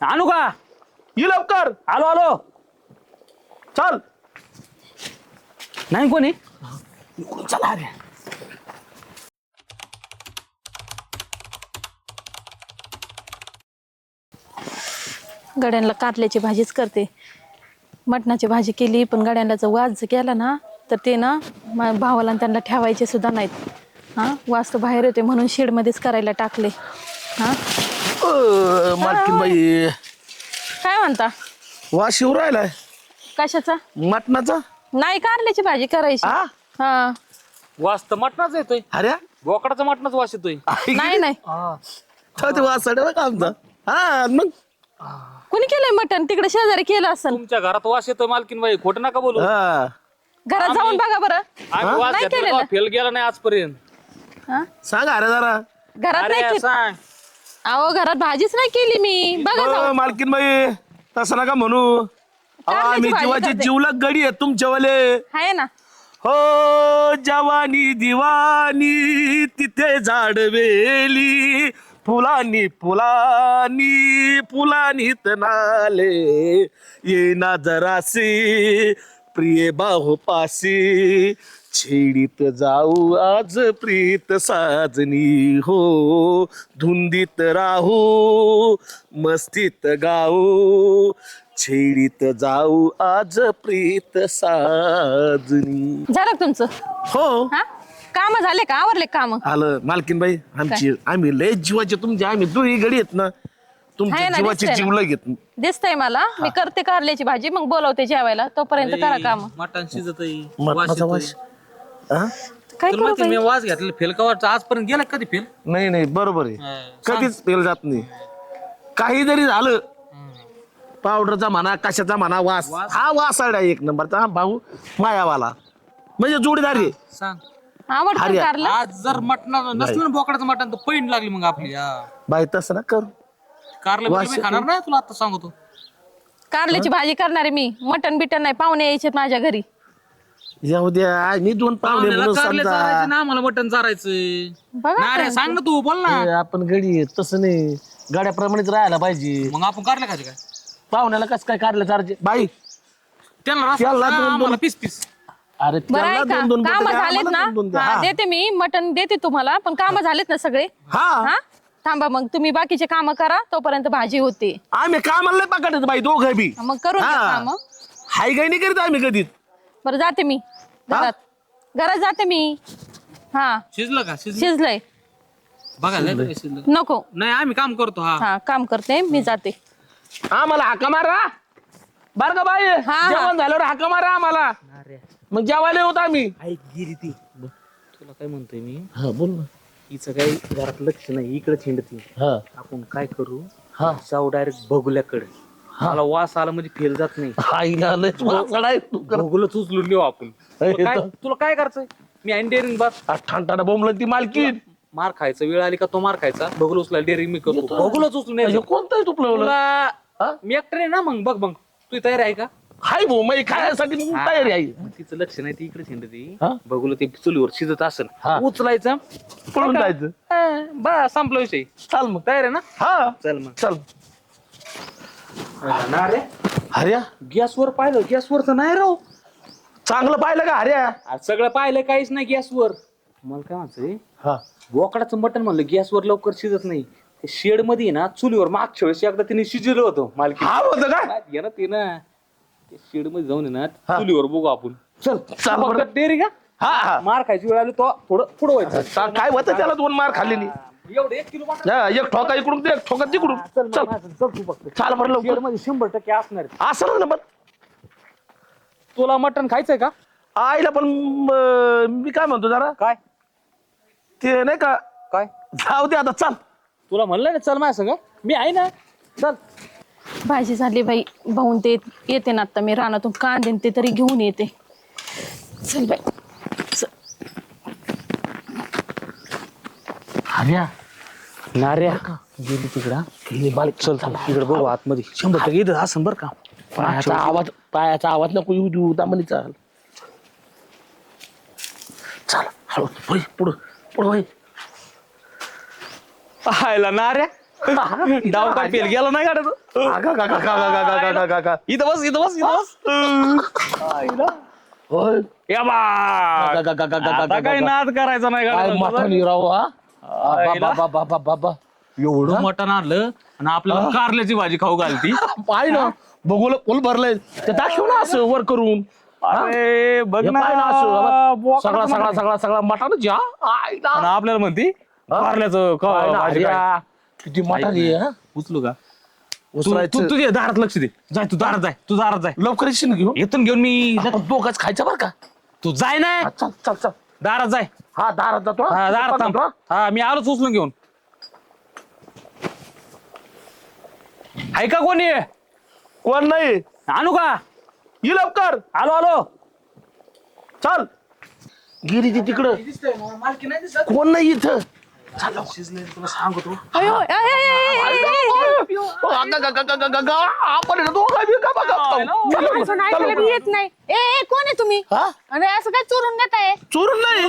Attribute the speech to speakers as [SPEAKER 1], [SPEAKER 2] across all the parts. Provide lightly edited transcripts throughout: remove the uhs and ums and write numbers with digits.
[SPEAKER 1] आणू का?
[SPEAKER 2] ये लवकर.
[SPEAKER 1] आलो आलो.
[SPEAKER 2] चल.
[SPEAKER 1] नाही कोणी?
[SPEAKER 2] चला रे.
[SPEAKER 3] गड्यांना कारल्याची भाजीच करते. मटणाची भाजी केली पण गड्यांना जर वास केला ना तर ते ना माझ्या भावाला आणि त्यांना ठेवायचे सुद्धा नाहीत. हां वास तर बाहेर येते म्हणून शेडमध्येच करायला टाकले. हां
[SPEAKER 2] मालकीन बाई
[SPEAKER 3] काय म्हणता?
[SPEAKER 2] वास येऊ राहिलाय
[SPEAKER 3] कशाचा?
[SPEAKER 2] मटणाचा.
[SPEAKER 3] नाही कारल्याची भाजी करायची.
[SPEAKER 2] हा
[SPEAKER 3] हा
[SPEAKER 1] वास तर मटणाच येतोय.
[SPEAKER 2] अरे
[SPEAKER 1] बोकडाचा मटणाच वास येतोय.
[SPEAKER 3] नाही नाही
[SPEAKER 2] ते वास का आमचा. हा मग
[SPEAKER 3] कुणी केलंय मटण? तिकडे शेजारी केलं असेल.
[SPEAKER 1] तुमच्या घरात वास येतोय मालकीन बाई, खोटं नका बोलू.
[SPEAKER 2] हा
[SPEAKER 3] घरात जाऊन बघा बरं.
[SPEAKER 1] आम्ही वास
[SPEAKER 3] नाही
[SPEAKER 1] घेतला
[SPEAKER 3] केलेलं.
[SPEAKER 1] का? फेल गेला नाही आजपर्यंत.
[SPEAKER 3] हा?
[SPEAKER 2] सांग अरे जरा.
[SPEAKER 3] घरात नाही
[SPEAKER 1] अरे
[SPEAKER 3] केली.
[SPEAKER 1] सांग.
[SPEAKER 3] अहो घरात भाजीच नाही केली मी. बघा जाऊन.
[SPEAKER 2] मालकीन बाई तसं नका म्हणू.
[SPEAKER 3] कारल्याची
[SPEAKER 2] आम्ही
[SPEAKER 3] भाजी
[SPEAKER 2] जीवाची
[SPEAKER 3] करते.
[SPEAKER 2] जीवलग गडी आहे तुमच्यावाले.
[SPEAKER 3] आहे ना.
[SPEAKER 2] हो जवानी दिवानी तिथे झाडवेली फुलानी फुलानी फुलानी तनाले ये ना जरासी प्रिय बाहू पासी छेडीत जाऊ आज प्रीत साजनी हो धुंदीत राहू मस्तीत गाऊ छेडीत जाऊ आज प्रीत साजनी.
[SPEAKER 3] झालं का तुमचं?
[SPEAKER 2] हो
[SPEAKER 3] हा काम झाले का? आवरले काम?
[SPEAKER 2] आलं मालकीन बाई आमची आम्ही लय जीवाचे तुमचे आम्ही दोन्ही गडी आहेत ना तुमच्या
[SPEAKER 3] आहे ना,
[SPEAKER 2] जीवाचे
[SPEAKER 3] दिसतंय
[SPEAKER 2] जीव घेत.
[SPEAKER 3] दिसतंय मला. मी करते कारल्याची भाजी मग बोलवते जेवायला. तोपर्यंत करा काम.
[SPEAKER 1] मटण शिजत
[SPEAKER 2] मटणाचा वास. हा?
[SPEAKER 3] काय
[SPEAKER 1] तुला
[SPEAKER 3] करू
[SPEAKER 1] माहिती
[SPEAKER 3] बाई?
[SPEAKER 1] मी वास घेतलेला फेल का वाटतं आजपर्यंत गेला कधी फेल?
[SPEAKER 2] नाही नाही बरोबर आहे
[SPEAKER 1] हा.
[SPEAKER 2] कधीच फेल जात नाही. काही जरी झालं पावडरचा म्हणा कशाचा म्हणा वास हा वासाडा एक नंबरचा. हा भाऊ मायावाला म्हणजे जोडीदार आहे.
[SPEAKER 1] सांग.
[SPEAKER 3] आवडतं
[SPEAKER 2] अरे,
[SPEAKER 3] कारलं?
[SPEAKER 1] आज जर मटण नसलं ना बोकडाचं मटण तर पैन लागली मग आपली.
[SPEAKER 2] बाई तसं ना करू.
[SPEAKER 1] कारलं
[SPEAKER 2] वास
[SPEAKER 1] बिलं मी खाणार नाही तुला आता सांगतो.
[SPEAKER 3] कारल्याची भाजी करणारे मी. मटण बिटन नाही. पाहुणे यायचे माझ्या घरी.
[SPEAKER 2] जाऊ द्या मी दोन पाहुणे
[SPEAKER 1] पाहुण्याला
[SPEAKER 2] म्हणून
[SPEAKER 1] कारले चारायचे
[SPEAKER 2] समजा.
[SPEAKER 1] ना आम्हाला मटण चारायचं.
[SPEAKER 3] बघा
[SPEAKER 1] ना रे सांग ना तू बोल ना.
[SPEAKER 2] ए, आपण गडी आहे, तसं नाही गाड्याप्रमाणेच राहायला पाहिजे.
[SPEAKER 1] मग आपण कारले खायचे काय?
[SPEAKER 2] पाहुण्याला कसं काय काढलं चार्जे बाई.
[SPEAKER 1] त्यांना रस्सा
[SPEAKER 2] त्याला
[SPEAKER 1] सांग,
[SPEAKER 2] दोन-
[SPEAKER 1] आम्हाला पीस पीस.
[SPEAKER 2] अरे
[SPEAKER 3] बरं आहे
[SPEAKER 2] त्याला
[SPEAKER 3] का?
[SPEAKER 2] दोन दोन
[SPEAKER 3] काम
[SPEAKER 2] बोटं द्या,
[SPEAKER 3] झालेत
[SPEAKER 2] आम्हाला
[SPEAKER 3] ना?
[SPEAKER 2] दोन दोन द्या.
[SPEAKER 3] हा,
[SPEAKER 2] हा.
[SPEAKER 3] देते मी मटण देते तुम्हाला. पण काम झालेत ना सगळे?
[SPEAKER 2] हा
[SPEAKER 3] हा थांबा मग तुम्ही बाकीचे काम करा तोपर्यंत भाजी होते.
[SPEAKER 2] आम्ही कामाला नाही पकडत बाई दोघं बी.
[SPEAKER 3] मग करून घ्या
[SPEAKER 2] हा.
[SPEAKER 3] काम.
[SPEAKER 2] हाय काही नाही करीत आम्ही कधीच.
[SPEAKER 3] बरं जाते मी घरात. घरात जाते मी. हा
[SPEAKER 1] शिजलं का? शिजलं
[SPEAKER 3] शिजलंय.
[SPEAKER 1] बघा लय बघा शिजलं.
[SPEAKER 3] नको.
[SPEAKER 1] नाही आम्ही काम करतो. हा
[SPEAKER 3] हा काम करते मी. जाते.
[SPEAKER 2] आम्हाला हाका मारा बर का बाई.
[SPEAKER 3] हा.
[SPEAKER 2] जेवण झाल्यावर हाका मारा आम्हाला. मग जेवायला होत आम्ही.
[SPEAKER 1] ऐक गिरी ती तुला काय म्हणतोय मी.
[SPEAKER 2] हा बोल ना.
[SPEAKER 1] हिचं काही घरात लक्ष नाही. इकडे हिंडती.
[SPEAKER 2] हा
[SPEAKER 1] आपण काय करू?
[SPEAKER 2] हा
[SPEAKER 1] जाऊ डायरेक्ट बघुल्याकडे. मला वास आला म्हणजे फेल जात नाही.
[SPEAKER 2] हायला लयच वासडा आहे तू कर.
[SPEAKER 1] बघुलच उचलून लिहू आपण. तुला काय करायचंय? मी आईन डेअरिंग बात.
[SPEAKER 2] ठाणठाणा बोंबलं ती मालकी.
[SPEAKER 1] मार खायचा वेळ आली का तो मार खायचा. बघुल उचला डेअरिंग मी करतो. बघुलच उचलून यायचं.
[SPEAKER 2] कोणतं आहे तुपलं
[SPEAKER 1] तुला मी एकटं आहे ना. मग बघ बघ तू तयार आहे का?
[SPEAKER 2] हाय भाऊ मग खाण्यासाठी मग तयारी आहे.
[SPEAKER 1] मग तिचं लक्ष नाही. ती इकडे हिंडती.
[SPEAKER 2] हा?
[SPEAKER 1] बघुल ते चुलीवर शिजत असेल.
[SPEAKER 2] हा.
[SPEAKER 1] उचलायचं
[SPEAKER 2] पळून जायचं.
[SPEAKER 1] बा संपला विषय.
[SPEAKER 2] चाल मग.
[SPEAKER 1] तयार आहे ना?
[SPEAKER 2] हा
[SPEAKER 1] चल मग.
[SPEAKER 2] चल.
[SPEAKER 1] अरे
[SPEAKER 2] हर्या
[SPEAKER 1] गॅसवर पाहिलं. गॅसवर तर नाही राव.
[SPEAKER 2] चांगलं पाहिलं का हर्या.
[SPEAKER 1] आज सगळं पाहिलं काहीच नाही गॅसवर. मला काय म्हणतोय
[SPEAKER 2] हा
[SPEAKER 1] बोकडाचं मटण म्हणलं गॅसवर लवकर शिजत नाही. शेड मध्ये ना चुलीवर मागच्या वेळेस एकदा तिने शिजलं होतं मालकी.
[SPEAKER 2] हा होतं का.
[SPEAKER 1] घे ना ते ना शेड मध्ये जाऊन ना
[SPEAKER 2] हा.
[SPEAKER 1] चुलीवर बघू आपण.
[SPEAKER 2] चल चाल बरं.
[SPEAKER 1] डेअरी का
[SPEAKER 2] हा हा
[SPEAKER 1] मार खायची वेळ आली तो थोडं पुढं व्हायचं.
[SPEAKER 2] काय होतं त्याला दोन मार खाल्लेली.
[SPEAKER 1] एवढं 1 किलो मटण.
[SPEAKER 2] हा, एक ठोका इकडून दे, एक ठोका तिकडून.
[SPEAKER 1] चल
[SPEAKER 2] चल
[SPEAKER 1] चल तू फक्त.
[SPEAKER 2] चाल बरं
[SPEAKER 1] शेड
[SPEAKER 2] लवकर.
[SPEAKER 1] मध्ये 100% असणार.
[SPEAKER 2] असं ना पण
[SPEAKER 1] तुला मटण खायचंय का?
[SPEAKER 2] आईला पण मी काय म्हणतो जरा
[SPEAKER 1] काय
[SPEAKER 2] ते नाही का
[SPEAKER 1] काय
[SPEAKER 2] जाऊ दे आता. चाल
[SPEAKER 1] तुला म्हणलं ना चल माझ्या संग. मी आहे ना. चल.
[SPEAKER 3] भाजी झाली बाई. भाऊन ते येते ना आता. मी रानातून कांदे ते तरी घेऊन येते. चल बाई.
[SPEAKER 2] हर्या
[SPEAKER 1] नार्या गेली तिकडं. चल चल तिकडे बघू आतमध्ये. 100% इथं असं बरं का.
[SPEAKER 2] पायाचा आवाज नको येऊ देऊ दामनी. चाल चाल हळू पुढे पुढं पुढं.
[SPEAKER 1] पाहायला नार्या डाव काय फेल गेला नाही गाड्या इथं बस इथं बस इथं बस
[SPEAKER 2] होय.
[SPEAKER 1] या बा आता काही नाद करायचा नाही
[SPEAKER 2] काय
[SPEAKER 1] गाड्या
[SPEAKER 2] मटण राव हा
[SPEAKER 1] आईला.
[SPEAKER 2] बाबा
[SPEAKER 1] एवढं मटण आणलं आणि आपल्याला कारल्याची भाजी खाऊ घालती
[SPEAKER 2] पाय ना बघूला फुल भरलंय ते दाखव ना असं वर करून
[SPEAKER 1] अरे बघ
[SPEAKER 2] हे
[SPEAKER 1] ना
[SPEAKER 2] पाय ना असं
[SPEAKER 1] बोकाड
[SPEAKER 2] सगळा
[SPEAKER 1] मटण.
[SPEAKER 2] सगळा सगळा सगळा मटणच या आईला.
[SPEAKER 1] आणि आपल्याला म्हणती कारल्याचं
[SPEAKER 2] पाय ना,
[SPEAKER 1] भाजी काय.
[SPEAKER 2] हरिया. किती मटण आहे हा?
[SPEAKER 1] उचलू का तू
[SPEAKER 2] उचलायचं.
[SPEAKER 1] तुझ्या दारात लक्ष दे जाय तू दारात जाय तू दारात जाय
[SPEAKER 2] लवकर येशील ना घेऊन
[SPEAKER 1] इथून घेऊन मी
[SPEAKER 2] आपण दोघंच खायचं बरं का
[SPEAKER 1] तू जाय ना
[SPEAKER 2] हा, चल चल चल
[SPEAKER 1] दारात जाय
[SPEAKER 2] हा दारात जातो हा.
[SPEAKER 1] हा दारात थांब
[SPEAKER 2] जातो, हा.
[SPEAKER 1] हा मी आलोच उचलून घेऊन आहे का कोणी
[SPEAKER 2] कोण नाही
[SPEAKER 1] आणू का
[SPEAKER 2] ये लवकर
[SPEAKER 1] आलो आलो
[SPEAKER 2] चल गिरीची तिकडं कोण नाही इथं
[SPEAKER 3] अयो, ए, ए, ए, ए, ए,
[SPEAKER 2] आपण आहे ना दोघं बी का बघा. चल,
[SPEAKER 3] ए, असं नाही ऐकायला बी येत नाही. ए, ए, कोण आहे तुम्ही
[SPEAKER 2] हा?
[SPEAKER 3] अरे असं काय चोरून देताय?
[SPEAKER 2] चोरून नाही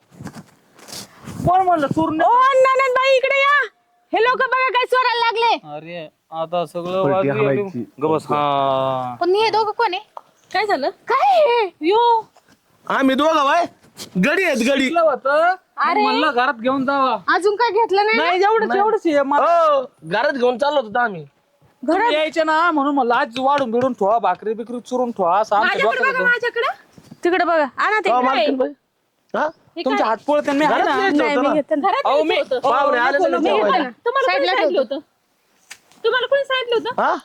[SPEAKER 1] कोण म्हणलं चोरून
[SPEAKER 3] ओ ननंदबाई इकडे या. हे लोक बघा काय चोरायला लागले.
[SPEAKER 1] अरे आता सगळं गबस हा
[SPEAKER 3] पण हे दोघं कोण आहे? काय झालं? काय हे? यो
[SPEAKER 2] आम्ही दोघं बाय गडी आहेत गडी
[SPEAKER 3] अरे.
[SPEAKER 1] म्हणलं घरात घेऊन जावा
[SPEAKER 3] अजून काय घेतलं नाही ना?
[SPEAKER 1] नाही एवढंच एवढंच आहे.
[SPEAKER 2] हो घरात घेऊन चाललो होतो आम्ही
[SPEAKER 1] तुम्ही यायचे ना म्हणून म्हणलं आज वाढून बिडून ठेवा भाकरी बिकरी चुरून ठेवा असं आमच्या
[SPEAKER 3] माझ्याकडे
[SPEAKER 1] डोक्यात
[SPEAKER 3] बघा,
[SPEAKER 1] होतं.
[SPEAKER 3] माझ्याकडे तिकडे बघा. आणा ते
[SPEAKER 2] हो,
[SPEAKER 3] काय?
[SPEAKER 2] मालकीन बाई. हा?
[SPEAKER 3] हे
[SPEAKER 1] तुमच्या
[SPEAKER 3] काय?
[SPEAKER 1] हात पोळत मी आहे
[SPEAKER 2] घरात
[SPEAKER 1] ना
[SPEAKER 2] न्यायचं
[SPEAKER 3] नाही,
[SPEAKER 2] होतं
[SPEAKER 3] मी
[SPEAKER 2] ना.
[SPEAKER 3] घेतलं.
[SPEAKER 1] अहो मी
[SPEAKER 2] पाहुणे आले ना
[SPEAKER 3] मी
[SPEAKER 2] जेवायला.
[SPEAKER 3] घेतलं ना. तुम्हाला कोणी सांगितलं होतं? तुम्हाला कोणी सांगितलं होतं?
[SPEAKER 2] हा?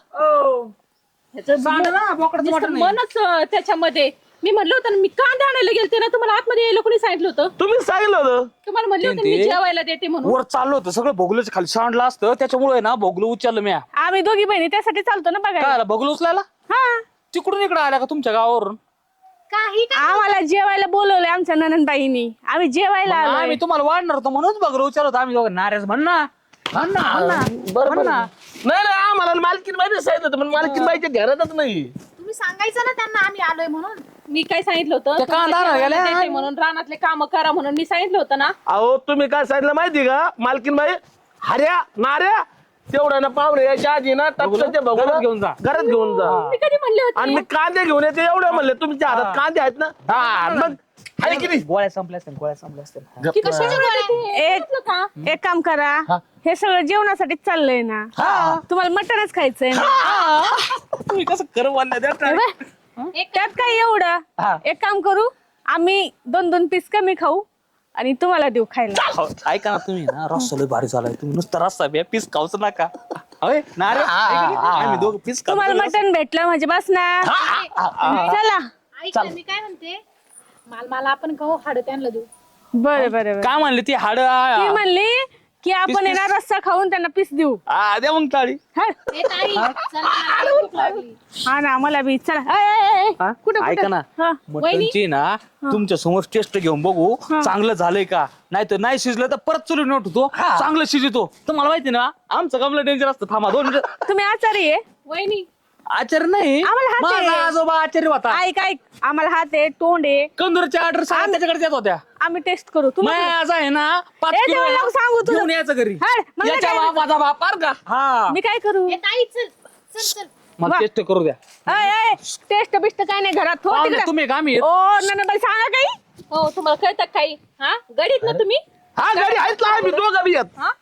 [SPEAKER 3] मनच त्याच्यामध्ये मी म्हणलं होतं ना, मी कांदा आणायला गेलते ना, तुम्हाला आतमध्ये यायला कोणी सांगितलं होतं?
[SPEAKER 2] तुम्ही सांगितलं होतं
[SPEAKER 3] तुम्हाला म्हणलं होतं मी जेवायला देते म्हणून.
[SPEAKER 1] वर चाललो होतं सगळं भोगलं खाली सांडलं असतं त्याच्यामुळे ना भोगलं उचललं मी
[SPEAKER 3] आम्ही दोघी बहिणी त्यासाठी चालतो ना बघायला.
[SPEAKER 1] काय भोगलं उचलायला
[SPEAKER 3] हा
[SPEAKER 1] तिकडून इकडे आल्या का तुमच्या गावावरून
[SPEAKER 3] आम्हाला जेवायला बोलवलंय आमच्या ननंदबाईंनी. आम्ही जेवायला आलोय.
[SPEAKER 1] आम्ही तुम्हाला वाढणार होतो म्हणूनच भोगलं उचललं होतं आम्ही दोघं नाऱ्याच म्हण ना
[SPEAKER 2] बरोबर नाही नाही आम्हाला मालकीन बाई सांगितलं होतं पण मालकीन बाईच्या घरातच नाही
[SPEAKER 4] तुम्ही सांगायचं ना त्यांना आम्ही आलोय म्हणून.
[SPEAKER 3] मी काय सांगितलं होतं?
[SPEAKER 1] त्या
[SPEAKER 3] तुम्हाला
[SPEAKER 1] कांदा
[SPEAKER 3] जेवायला
[SPEAKER 1] गेल्या.
[SPEAKER 3] देते म्हणून रानातले काम करा म्हणून मी सांगितलं होतं ना.
[SPEAKER 2] अहो तुम्ही काय सांगितलं माहिती का मालकीन बाई हऱ्या नाऱ्या तेवढ्या ना पाहुणे यायच्या आधी ना टपकाचे बघून
[SPEAKER 1] घरात घेऊन जा.
[SPEAKER 2] घरात घेऊन जा
[SPEAKER 3] मी कधी म्हणले
[SPEAKER 2] आणि
[SPEAKER 3] होते?
[SPEAKER 2] मी कांदे घेऊन येते एवढे म्हणले तुमच्या हातात कांदे आहेत ना हा मग आहे की नाही
[SPEAKER 1] गोळ्या संपल्या असतील गोळ्या संपल्या असतील
[SPEAKER 3] की कशाचे बोलते? एक काम करा, हे सगळं जेवणासाठी चाललंय ना. तुम्हाला मटणच खायचंय ना.
[SPEAKER 1] तुम्ही कसं कर
[SPEAKER 3] त्यात काय एवढं. एक काम करू, आम्ही 2-2 पीस कमी खाऊ आणि तुम्हाला देऊ खायला.
[SPEAKER 1] ऐका ना तुम्ही ना रस्सा लय भारी झालाय तुम्ही नुसतं रस्सा बे पीस खाऊच नका होय ना रे आम्ही दोघं पीस
[SPEAKER 3] तुम्हाला मटण भेटलं म्हणजे बस ना. चला
[SPEAKER 4] ऐक ना, मी काय म्हणते मला आपण खाऊ हाड त्यांना देऊ.
[SPEAKER 3] बरं बरं.
[SPEAKER 1] काय म्हणले ती हाड
[SPEAKER 3] ती म्हणली की आपण येणार रस्सा खाऊन त्यांना पीस देऊ.
[SPEAKER 1] द्या मग टाळी
[SPEAKER 3] हा
[SPEAKER 4] ए ताई, चल मला लई भूक लागली.
[SPEAKER 3] हा ना मला बी. चला कुठं
[SPEAKER 1] ऐका ना मटनची ना तुमच्या समोर टेस्ट घेऊन बघू चांगलं झालंय का नाही तर नाही शिजलं तर परत चुली नोट होतो चांगलं शिजतो तुम्हाला माहिती ना आमचं कमलं डेंजर असतं थांबा 2 मिनिटं
[SPEAKER 3] तुम्ही आचारी आहे?
[SPEAKER 4] वहिनी
[SPEAKER 1] आचार्य नाही
[SPEAKER 3] आम्हाला हात आहे.
[SPEAKER 1] माझा आजोबा आचार्य होता
[SPEAKER 3] ऐक ऐक, आम्हाला हात आहे, तोंड आहे,
[SPEAKER 1] कंदूरच्या ऑर्डर सगळ्या त्याच्याकडे देत होत्या
[SPEAKER 3] आम्ही टेस्ट करू. तुम्हाला
[SPEAKER 1] माझा आहे ना 5
[SPEAKER 3] ए,
[SPEAKER 1] किलो
[SPEAKER 3] तेव्हा नको सांगू तुला.
[SPEAKER 1] घेऊन यायचं घरी
[SPEAKER 3] हाड, मला
[SPEAKER 1] याच्या
[SPEAKER 3] काय
[SPEAKER 1] बापाचा बाप पार का हा
[SPEAKER 3] मी काय करू?
[SPEAKER 4] ए ताई चल चल चल.
[SPEAKER 1] मला टेस्ट करू द्या
[SPEAKER 3] टेस्ट बिस्ट काय नाही घरात. हो
[SPEAKER 1] पाहुणे,
[SPEAKER 3] तिकडे.
[SPEAKER 1] तुम्ही का मी
[SPEAKER 3] ओ ननंदबाई सांगा काही. हो तुम्हाला कळतं काही? हा गडीत ना तुम्ही
[SPEAKER 2] हा गाडी आहेत ना आम्ही दोघं बी आहेत
[SPEAKER 3] हा?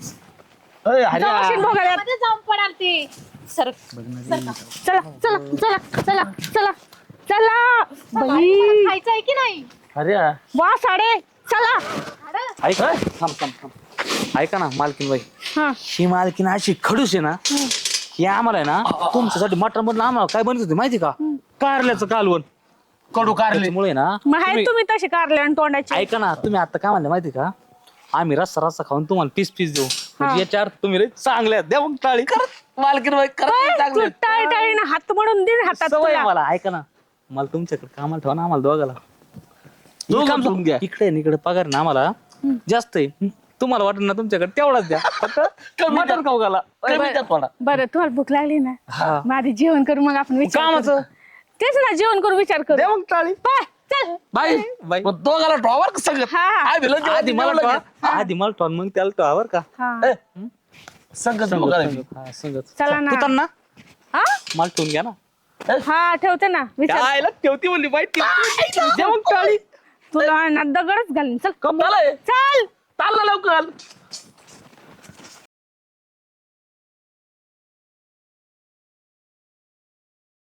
[SPEAKER 2] अय, हऱ्या.
[SPEAKER 3] जाऊन बघायला.
[SPEAKER 4] मध्ये जाऊन पडाल ते.
[SPEAKER 3] चला चला चला चला चला चला बाई
[SPEAKER 4] खायचं आहे की नाही?
[SPEAKER 2] हऱ्या.
[SPEAKER 3] वा साडे चला.
[SPEAKER 4] हाड?
[SPEAKER 1] ऐका थांब थांब थांब ऐका ना मालकीन बाई
[SPEAKER 3] हा
[SPEAKER 1] ही मालकीन अशी खडूस आहे ना ही आम्हाला आहे ना तुमच्यासाठी मटण बनलं आम्हाला काय बनत होती माहिती का कारल्याचं कालवण
[SPEAKER 2] कडू कारले
[SPEAKER 1] त्याच्यामुळे ना
[SPEAKER 3] मग आहे
[SPEAKER 1] तुम्ही-
[SPEAKER 3] तुम्ही तसे कारले आणि तोंडाचे.
[SPEAKER 1] ऐका ना तुम्ही आता काय म्हणले माहिती का आम्ही रस्सा रस्सा खाऊन तुम्हाला पीस पीस देऊ म्हणजे याच्या अर्थ तुम्ही लय चांगले आहेत. द्या मग टाळी
[SPEAKER 2] मालकीन बाई
[SPEAKER 3] तू टाळी टाळीनं हात मोडून दे हातात
[SPEAKER 1] सवय आहे
[SPEAKER 3] तुला.
[SPEAKER 1] मला ऐका ना मला तुमच्याकडे कामाला ठेवा ना आम्हाला दोघाला
[SPEAKER 2] दोघं
[SPEAKER 1] काम
[SPEAKER 2] ठेवून घ्या.
[SPEAKER 1] इकडे आणि इकडे पगार ना आम्हाला जास्त आहे तुम्हाला वाटत ना तुमच्याकडे तेवढाच द्या फक्त मटण खाऊ घाला
[SPEAKER 2] कमी द्या थोडा
[SPEAKER 3] बरं तुम्हाला भूक लागली ना
[SPEAKER 1] हा.
[SPEAKER 3] माझी जेवण करू मग आपण विचार करू.
[SPEAKER 1] कामाचं
[SPEAKER 3] तेच ना जेवण करू विचार करू.
[SPEAKER 1] द्या मग टाळी
[SPEAKER 3] पाय, चल
[SPEAKER 1] बाय बाय
[SPEAKER 2] मग दोघाला ड्रॉवर का सगळं
[SPEAKER 3] हा, हा.
[SPEAKER 2] आम्ही लय जेवण
[SPEAKER 1] आधी मला
[SPEAKER 2] जेवलं
[SPEAKER 1] ठेवा आधी मला ठेवा मग त्याला ठेवा बरं का
[SPEAKER 3] हा.
[SPEAKER 2] संगत बघायला.
[SPEAKER 1] हा, संगत.
[SPEAKER 5] चला ना.
[SPEAKER 1] तू तर ना
[SPEAKER 5] हा
[SPEAKER 1] मला ठेवून घ्या ना.
[SPEAKER 5] हा ठेवते ना विचार
[SPEAKER 1] काय ठेवती म्हणली बाई जेवण टाळी
[SPEAKER 5] तुला ना दगडच घालीन चल
[SPEAKER 2] कमाल आहे.
[SPEAKER 5] चल
[SPEAKER 2] चालला लवकर